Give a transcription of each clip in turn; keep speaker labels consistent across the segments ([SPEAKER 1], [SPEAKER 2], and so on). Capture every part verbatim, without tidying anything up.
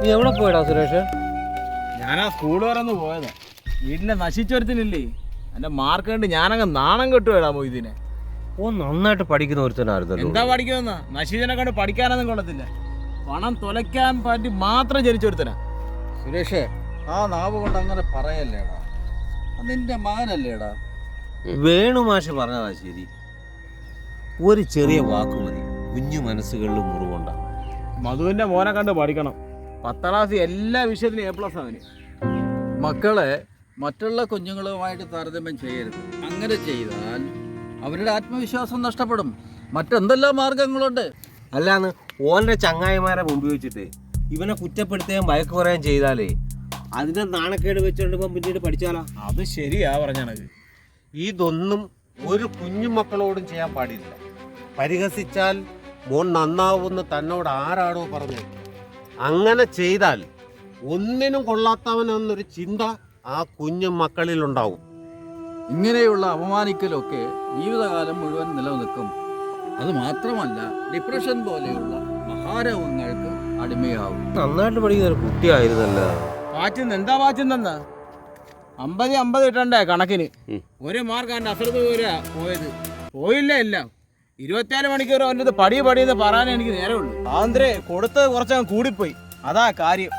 [SPEAKER 1] നീ എവിടെ പോയടാ സുരേഷ്?
[SPEAKER 2] ഞാനാ സ്കൂൾ വരെ ഒന്ന് പോയതാ. വീട്ടിലെ നശിച്ചൊരുത്തിനില്ലേ, എൻ്റെ മാർക്ക് കണ്ട് ഞാനങ്ങ് നാണം കെട്ടുപോയടാ മൊയ്തീനെ.
[SPEAKER 1] ഓ നന്നായിട്ട് പഠിക്കുന്ന ഒരുത്തനായിരുന്നല്ലോ.
[SPEAKER 2] എന്താ പഠിക്കുമെന്ന നശീജനെ കണ്ട് പഠിക്കാനൊന്നും കൊള്ളത്തില്ല. പണം തുലയ്ക്കാൻ പറ്റി മാത്രം ജനിച്ചൊരുത്തനാ.
[SPEAKER 3] സുരേഷേ, ആ നാവ് കൊണ്ട് അങ്ങനെ പറയല്ലേടാ, നിന്റെ മകനല്ലേടാ.
[SPEAKER 1] വേണുമാഷ് പറഞ്ഞതാ ശരി. ഒരു ചെറിയ വാക്ക് മതി കുഞ്ഞു മനസ്സുകളിൽ മുറിവുണ്ടാവും.
[SPEAKER 2] മധുവിന്റെ മോനെ കണ്ട് പഠിക്കണം. പത്താം ക്ലാസ് എല്ലാ വിഷയത്തിലും എ പ്ലസ് അവന്.
[SPEAKER 3] മക്കളെ മറ്റുള്ള കുഞ്ഞുങ്ങളുമായിട്ട് താരതമ്യം ചെയ്യരുത്. അങ്ങനെ ചെയ്താൽ അവരുടെ ആത്മവിശ്വാസം നഷ്ടപ്പെടും. മറ്റെന്തെല്ലാം മാർഗങ്ങളുണ്ട്.
[SPEAKER 1] അല്ലാന്ന് ഓൻ്റെ ചങ്ങായിമാരെ മുമ്പ് വെച്ചിട്ട് ഇവനെ കുറ്റപ്പെടുത്തുകയും വഴക്ക് പറയുകയും ചെയ്താലേ അതിനെ നാണക്കേട് വെച്ചുകൊണ്ട് ഇപ്പം പിന്നീട് പഠിച്ചാലാ.
[SPEAKER 2] അത് ശരിയാ പറഞ്ഞത്.
[SPEAKER 4] ഇതൊന്നും ഒരു കുഞ്ഞു മക്കളോടും ചെയ്യാൻ പാടില്ല. പരിഹസിച്ചാൽ മോൻ നന്നാവുമെന്ന് തന്നോട് ആരാണോ പറഞ്ഞത്? അങ്ങനെ ചെയ്താൽ ഒന്നിനും കൊള്ളാത്തവനെന്നൊരു ചിന്ത ആ കുഞ്ഞു മക്കളിലുണ്ടാവും.
[SPEAKER 3] ഇങ്ങനെയുള്ള അപമാനിക്കലൊക്കെ ജീവിതകാലം മുഴുവൻ നിലനിൽക്കും. അത് മാത്രമല്ല, ഡിപ്രഷൻ പോലെയുള്ള മഹാരോഗങ്ങൾക്ക് അടിമയാവും.
[SPEAKER 1] നന്നായിട്ട് പഠിക്കുന്ന ഒരു കുട്ടിയായിരുന്നല്ലോ.
[SPEAKER 2] പാറ്റുന്ന എന്താ പാറ്റുന്നെന്നാ അമ്പത് അമ്പത് കിട്ടണ്ടേ കണക്കിന്. ഒരു മാർക്ക് അവൻ്റെ അസൃത് പോരാ പോയത്. പോയില്ല എല്ലാം. ഇരുപത്തിനാല് മണിക്കൂർ അവൻ്റെ ഇത് പടി പടിയെന്ന് പറയാനേ എനിക്ക് നേരമുള്ളൂ. ആന്ത്രേ കൊടുത്തത് കുറച്ചങ്ങ് കൂടിപ്പോയി, അതാ കാര്യം.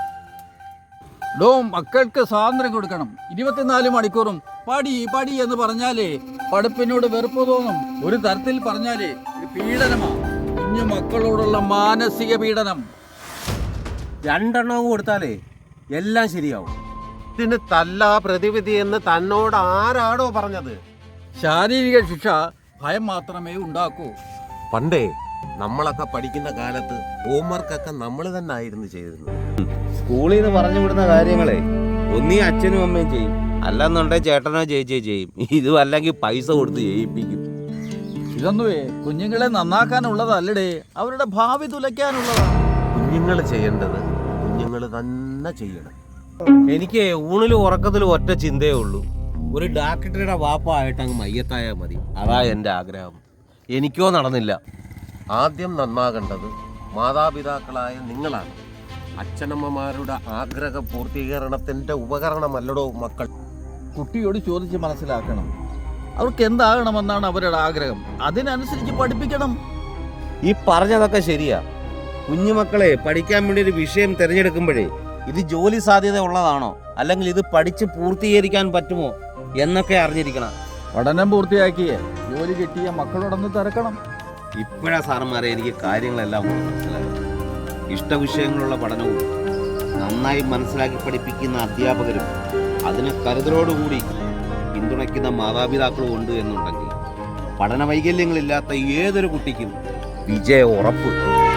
[SPEAKER 3] ഡോ, മക്കൾക്ക് സ്വാതന്ത്ര്യം കൊടുക്കണം. ഇരുപത്തിനാല് മണിക്കൂറും പടി പടി എന്ന് പറഞ്ഞാലേ പഠിപ്പിനോട് വെറുപ്പ് തോന്നും. ഒരു തരത്തിൽ പറഞ്ഞാലേ ഒരു പീഡനമാണ്. കുഞ്ഞു മക്കളോടുള്ള മാനസിക പീഡനം.
[SPEAKER 1] രണ്ടെണ്ണം കൊടുത്താലേ എല്ലാം ശരിയാവും.
[SPEAKER 4] ഇതിന് തല്ലാ പ്രതിവിധി എന്ന് തന്നോട് ആരാണോ പറഞ്ഞത്?
[SPEAKER 3] ശാരീരിക ശിക്ഷ ഭയം മാത്രമേ ഉണ്ടാക്കൂ.
[SPEAKER 4] പണ്ടേ നമ്മളൊക്കെ പഠിക്കുന്ന കാലത്ത് ഹോംവർക്കൊക്കെ നമ്മൾ തന്നെ ആയിരുന്നു ചെയ്തിരുന്നത്.
[SPEAKER 1] സ്കൂളിൽ നിന്ന് പറഞ്ഞു വിടുന്ന കാര്യങ്ങളെ ഒന്നീ അച്ഛനും അമ്മയും ചെയ്യും, അല്ലെന്നുണ്ടെ ചേട്ടനോ ചേച്ചിയോ ചെയ്യും. ഇതും അല്ലെങ്കിൽ പൈസ കൊടുത്ത് ചെയ്യിപ്പിക്കും.
[SPEAKER 3] ഇതൊന്നുവേ കുഞ്ഞുങ്ങളെ നന്നാക്കാനുള്ളതല്ലടേ, അവരുടെ ഭാവി തുലയ്ക്കാനുള്ളതാണ്.
[SPEAKER 4] കുഞ്ഞുങ്ങൾ ചെയ്യേണ്ടത് കുഞ്ഞുങ്ങൾ തന്നെ ചെയ്യണം.
[SPEAKER 1] എനിക്ക് ഊണിലും ഉറക്കത്തിലും ഒറ്റ ചിന്തയേ ഉള്ളൂ, ഒരു ഡാക്ടറുടെ വാപ്പായിട്ട് അങ്ങ് മയ്യത്തായാൽ മതി. അതാ എൻ്റെ ആഗ്രഹം. എനിക്കോ നടന്നില്ല.
[SPEAKER 4] ആദ്യം നന്നാകേണ്ടത് മാതാപിതാക്കളായ നിങ്ങളാണ്. അച്ഛനമ്മമാരുടെ ആഗ്രഹ പൂർത്തീകരണത്തിൻ്റെ ഉപകരണമല്ലടോ മക്കൾ.
[SPEAKER 3] കുട്ടിയോട് ചോദിച്ച് മനസ്സിലാക്കണം അവർക്ക് എന്താകണമെന്നാണ് അവരുടെ ആഗ്രഹം. അതിനനുസരിച്ച് പഠിപ്പിക്കണം.
[SPEAKER 1] ഈ പറഞ്ഞതൊക്കെ ശരിയാ. കുഞ്ഞുമക്കളെ പഠിക്കാൻ വേണ്ടി ഒരു വിഷയം തിരഞ്ഞെടുക്കുമ്പോഴേ ഇത് ജോലി സാധ്യത ഉള്ളതാണോ, അല്ലെങ്കിൽ ഇത് പഠിച്ച് പൂർത്തീകരിക്കാൻ പറ്റുമോ എന്നൊക്കെ അറിഞ്ഞിരിക്കണം.
[SPEAKER 3] പഠനം പൂർത്തിയാക്കിയേ ജോലി കിട്ടിയ മക്കളോടൊന്ന് തിരക്കണം.
[SPEAKER 1] ഇപ്പോഴാ സാറന്മാരെ എനിക്ക് കാര്യങ്ങളെല്ലാം മനസ്സിലാകും. ഇഷ്ടവിഷയങ്ങളുള്ള പഠനവും നന്നായി മനസ്സിലാക്കി പഠിപ്പിക്കുന്ന അധ്യാപകരും അതിന് കരുതലോടുകൂടി പിന്തുണയ്ക്കുന്ന മാതാപിതാക്കളും ഉണ്ട് എന്നുണ്ടെങ്കിൽ പഠന വൈകല്യങ്ങളില്ലാത്ത ഏതൊരു കുട്ടിക്കും വിജയ ഉറപ്പ്.